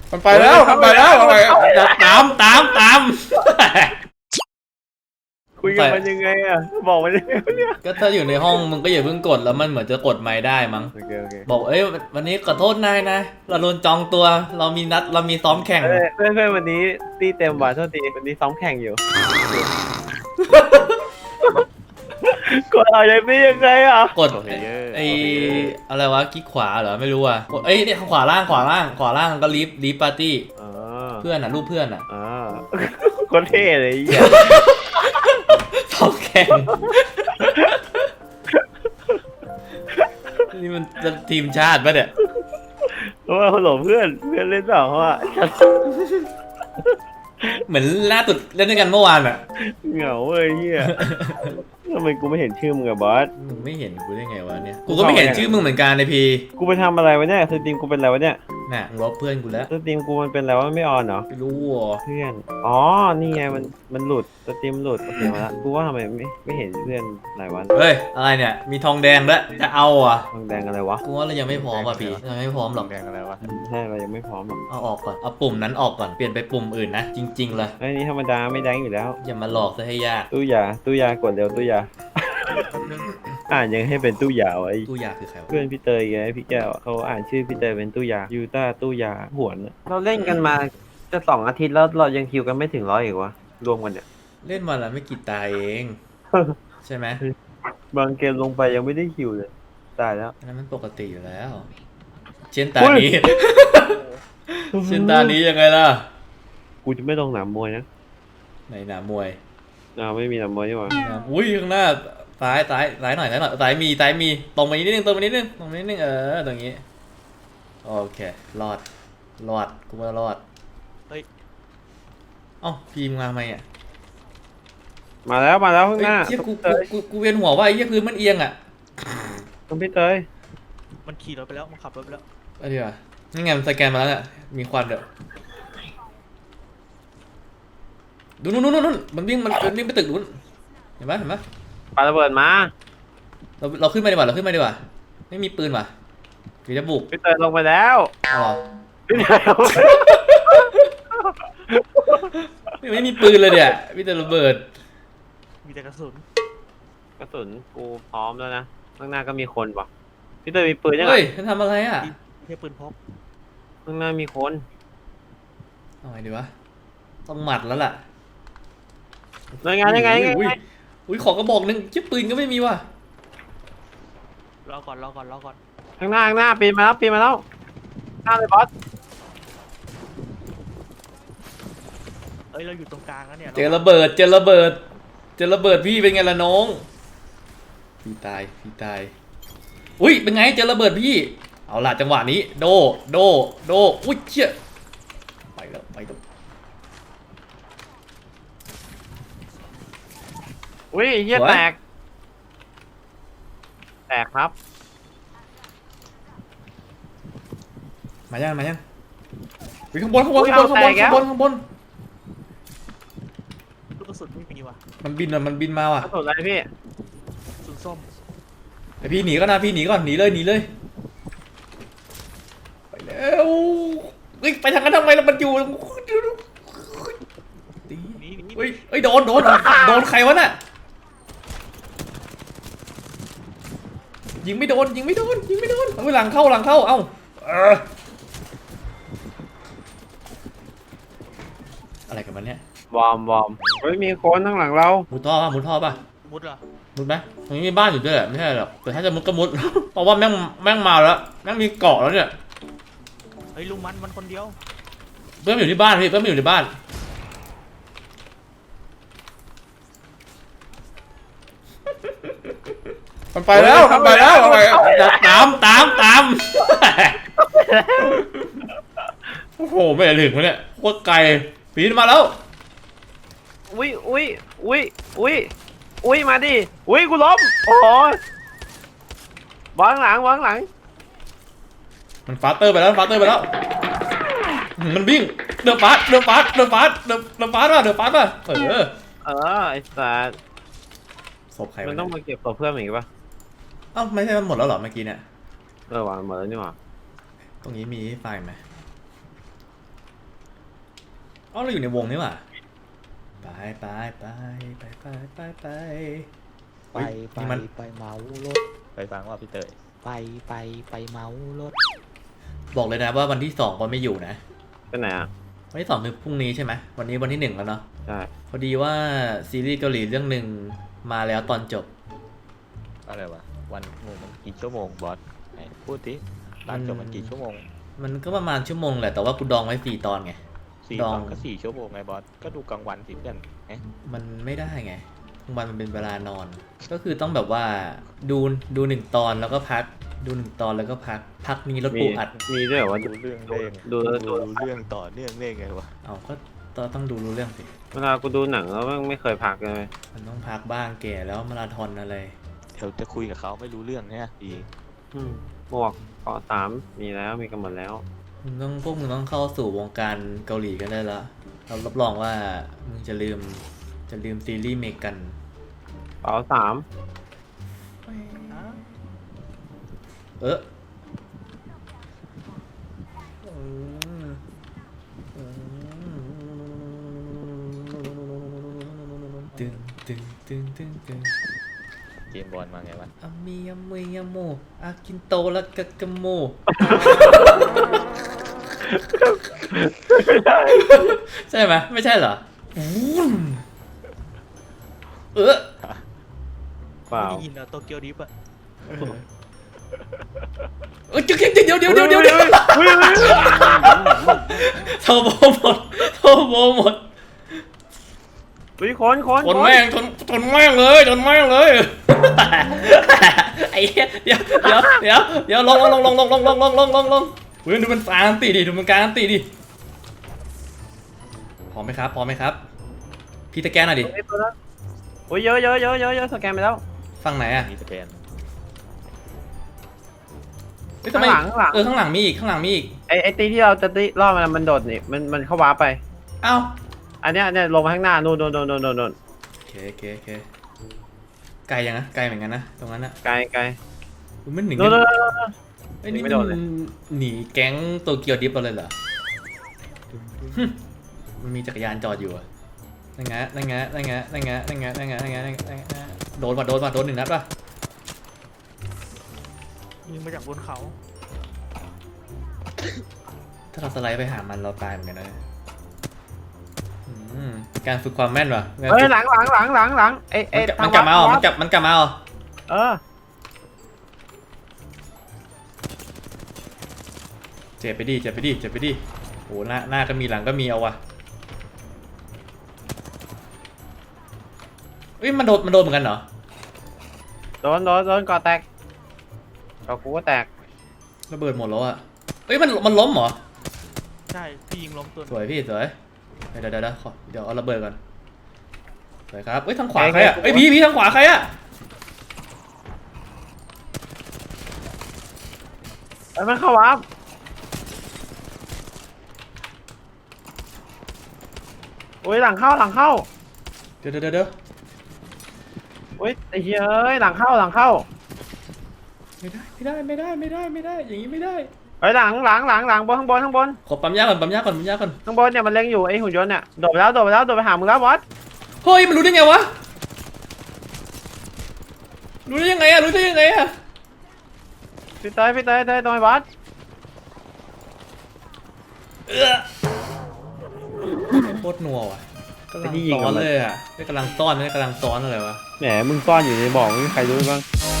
มันไปแล้วตามคุยกันมันยังไงอะบอกมันยังไงเนี่ยก็ถ้าอยู่ในห้องมึงก็อย่าเพิ่งกดแล้วมันเหมือนจะกดไมค์ได้มั้งโอเคบอกวันนี้ขอโทษนายนะเราโดนจองตัวเรามีนัดเรามีซ้อมแข่งเพื่อนวันนี้ตีเต็มว่ะโทษทีวันนี้ซ้อมแข่งอยู่กดอะไรไม่ยังไงอ่ะกดไออะไรวะคลิกขวาเหรอไม่รู้อ่ะกดเนี่ยขวาล่างก็ลีฟปาร์ตี้เพื่อนอ่ะรูปเพื่อนอ่ะคนเท่เลยไอ้เหี้ยซ้อมแข่งนี่มันจะทีมชาติปะเนี่ยเพราะว่าเขาหลงเพื่อนเล่นเปล่าเพราะว่าเหมือนล่าสุดเล่นด้วยกันเมื่อวานอ่ะเหงาเว้ยเหี้ยทำไมกูไม่เห็นชื่อมึงอะบอสมึงไม่เห็นกูได้ไงวะเนี่ยกูก็ไม่เห็นชื่อมึงเหมือนกันในพีกูไปทำอะไรวะเนี่ยสตรีมกูเป็นอะไรวะเนี่ยน่ะลบเพื่อนกูแล้วสตรีมกูมันเป็นอะไรวะไม่ออนเหรอไม่รู้อ่ะเพื่อนอ๋อนี่ไงมันหลุดสตรีมหลุดโอเคมาละกูว่าทำไมไม่เห็นเพื่อนหลายวันเฮ้ยอะไรเนี่ยมีทองแดงด้วยจะเอาอ่ะทองแดงอะไรวะกูว่าเรายังไม่พร้อมอ่ะพี่ยังไม่พร้อมหรอกแดงอะไรวะใช่เรายังไม่พร้อมหรอกเอาออกก่อนเอาปุ่มนั้นออกก่อนเปลี่ยนไปปุ่มอื่นนะจริงๆเลยไอ้นี่ธรรมดาไม่แดงอยู่แล้วอย่ามาหลอกซะให้ยากตู้ยากดเร็วตู้ยา อ่านยังให้เป็นตู้ยาไว้ตู้ยาคือใครวะเพื่อนพี่เตยไงพี่แก้วเขาอ่านชื่อพี่เตยเป็นตู้ยายูต้าตู้ยาหวนเราเล่นกันมาจะ2 อาทิตย์แล้วเรายังคิวกันไม่ถึง100อีกวะรวมกันเนี่ยเล่นวันละไม่กี่ตาเอง ใช่ไหมบางเกมลงไปยังไม่ได้คิวเลยตายแล้วอันนั้นมันปกติอยู่แล้ว เช่นตานี้ เช่นตานี้ยังไงล่ะกูจะไม่ลงหนามมวยนะในหนามวยไม่มีหนามมวยนี่หว่าอุ้ยข้างหน้าซ้ายหน่อยซ้ายมีตรงไปนิดนึงตรงไปนิดนึงตรงนี้โอเครอดกูว่ารอดเฮ้ยเอ้าพีมมาไหมอ่ะมาแล้วข้างหน้าเฮ้ยกูเวียนหัวว่าไอ้เหี้ยพื้นมันเอียงอ่ะคุณพี่เตยมันขี่รถไปแล้วมันขับรถไปแล้วเอาดีกว่านี่ไงมันสแกนมาแล้วเนี่ยมีควันเด้อดูนู่นมันวิ่งไปตึกนู้นเห็นไหมปาระเบิดมาเราขึ้นมาดีกว่าไม่มีปืนว่ะหรือจะบุกพี่เตยลงไปแล้วอ๋อพี่เตยไม่มีปืนเลยเนี่ยมีแต่ระเบิดมีแต่กระสุนกระสุนกูพร้อมแล้วนะข้างหน้าก็มีคนว่ะพี่เตยมีปืนยังไงเฮ้ยมันทำอะไรอ่ะเทียบปืนพกข้างหน้ามีคนเอาไงดีวะต้องหมัดแล้วล่ะยังไงอุ้ยขอกระบอกนึงชิปปืนก็ไม่มีว่ะรอก่อนข้างหน้าปีนมาแล้วหน้าเลยบอสเอ้ยเราอยู่ตรงกลางแล้วเนี่ยเจอระเบิดพี่เป็นไงล่ะน้องพี่ตายอุ้ยเป็นไงเจอระเบิดพี่เอาล่ะจังหวะนี้โดอุ้ยเชี่ยไปแล้วอุ้ยเหี้ยแตกครับมายังวิ่งข้างบนลูกกระสุนไม่มีว่ะมันบินมาว่ะกระสุนอะไรพี่กระสุนส้มไอพี่หนีก่อนหนีเลยไปแล้วเฮ้ยไปทางนั้นทำไมล่ะมันอยู่ตีนี่เฮ้ยโดนใครวะน่ะยิงไม่โดนเอาหลังเข้าเอ้าอะไรกันมันเนี่ยบอมเฮ้ยมีคนข้างหลังเรามุดท่อป่ะมุดเหรอมุดไหมตรงนี้มีบ้านอยู่ด้วยแหละไม่ใช่หรอกแต่ถ้าจะมุดก็มุด เพราะว่าแม่งมาแล้วแม่งมีเกาะแล้วเนี่ยเฮ้ยลุงมันคนเดียวเพื่อนมันอยู่ที่บ้านพี่เพื่อนมันอยู่ในบ้านมันไปแล้วตาม โอ้โหไม่ถึงวะเนี่ยโคตรไกลปีนมาแล้วอุ้ยมาดิอุ้ยกูล้มโอ้ยวางหลังมันฟาสเตอร์ไปแล้วมันวิ่งเดือดฟาสป่ะไอ้สัสศพใครมันต้องมาเก็บตัวเพื่อนอีกปะเอ้าไม่ใช่มันหมดแล้วเหรอเมื่อกี้เนี่ยวางหมดแล้วนี่หว่าตรงนี้มีไฟไหมอ๋อเราอยู่ในวงนี่หว่าไปไปไปไปไปไปไปไปเฮ้ยไปนี่มันไปเมารถไปฟังว่าพี่เตยไปไปเมารถบอกเลยนะว่าวันที่2ก็ไม่อยู่นะไปไหนอ่ะวันที่2คือพรุ่งนี้ใช่ไหมวันนี้วันที่1แล้วเนาะใช่พอดีว่าซีรีส์เกาหลีเรื่องหนึ่งมาแล้วตอนจบอะไรวะวันมันกี่ชั่วโมงบอสไหนพูดดิตอนจบมันกี่ชั่วโมงมันก็ประมาณชั่วโมงแหละแต่ว่ากูดองไว้4 ตอนไง 4 ดตองอนก็4 ชั่วโมงไงบอสก็ดูกลางวันสิเพื่อนเอ๊ะมันไม่ได้ไงมันเป็นเวลานอน ก็คือต้องแบบว่าดู1 ตอนแล้วก็พักดู1 ตอนแล้วก็พักมีรถมีปูอัดมีด้วยเหรอว่าดูเรื่องได้ไงดูดูเรื่องต่อเนื่องได้ไงวะเอาก็ต้องดูรู้เรื่องสิเวลากูดูหนังแล้วไม่เคยพักเลยมันต้องพักบ้างแก่แล้วมาราธอนอะไรเดี๋ยวจะคุยกับเขาไม่รู้เรื่องเนี่ยดีหมวกเกาะ3มีแล้วมีกันหมดแล้วพวกมึงต้องเข้าสู่วงการเกาหลีกันได้แล้วเรารับรองว่ามึงจะลืมซีรีส์เมกันเป๋า3 เออตึงตึงตึงตึงตึงเกมบอลมาไงวะอามีอามุยอาโมอากินโตละกะกะโมใช่ไหมไม่ใช่เหรอเออเปล่าได้ยินอะโตเกียวดิฟอะเดี๋ยวโทโบหมดคนชนแม่งเลยไอ้เหี้ยเดี๋ยวลงเฮ้ยดูมันการันตีดิพร้อมไหมครับพี่ตะแกนหน่อยดิโอ้ยเยอะสแกนไปแล้วฝั่งไหนอ่ะมีสแกนเฮ้ยทำไมข้างหลังข้างหลังมีอีกไอ้ตีที่เราจะตีรอบมันโดดนี่มันเข้าว้าไปอ้าวอันเนี้ยลงมาข้างหน้านู่นโอเคไกลยังนะไกลเหมือนกันนะตรงนั้นนะไกลมันหนีนู่นไอ้นี่ไม่มันโดนเลยหนีแก๊งโตเกียวดิฟเราเลยเหรอมันมีจักรยานจอดอยู่อะนั่นไงโดน1 นัดป่ะยิงมาจากบนเขาถ้าเราสไลด์ไปหามันเราตายเหมือนกันนะการฝึกความแม่นว่ะเฮ้ยหลังไอ้มันกลับมาเหรอมันกลับมาเหรอเออเจ็บไปดิโหหน้าก็มีหลังก็มีเอาวะเอ้ยมันโดนเหมือนกันเหรอโดนก่อแตกก่อกูก็แตกระเบิดหมดแล้วอะเอ้ยมันล้มเหรอใช่พี่ยิงล้มตัวสวยพี่สวยเดี๋ยวเอาระเบิดก่อนสวยครับเอ้ยทางขวาใครอะเอ้ยพี่ทางขวาใครอะไอ้มันเข้าว้าโอ้ยหลังเข้าเดี๋ยวโอ้ยไอ้เหี้ยเอ้ยหลังเข้าไม่ได้อย่างนี้ไม่ได้เฮ้ยหลังข้างบนขอปั๊มยาก่อนข้างบนเนี่ยมันเล็งอยู่ไอ้หุ่นยนต์เนี่ยโดดไปหามึงแล้วบอสเฮ้ยมันรู้ได้ไงวะรู้ได้ยังไงอะพี่เตยตรงไอ้บอสโคตรนัวว่ะกำลังซ้อนเลยอะไม่กำลังซ้อนอะไรวะแหมมึงซ่อนอยู่ในบ่อไม่มีใครรู้บ้างเ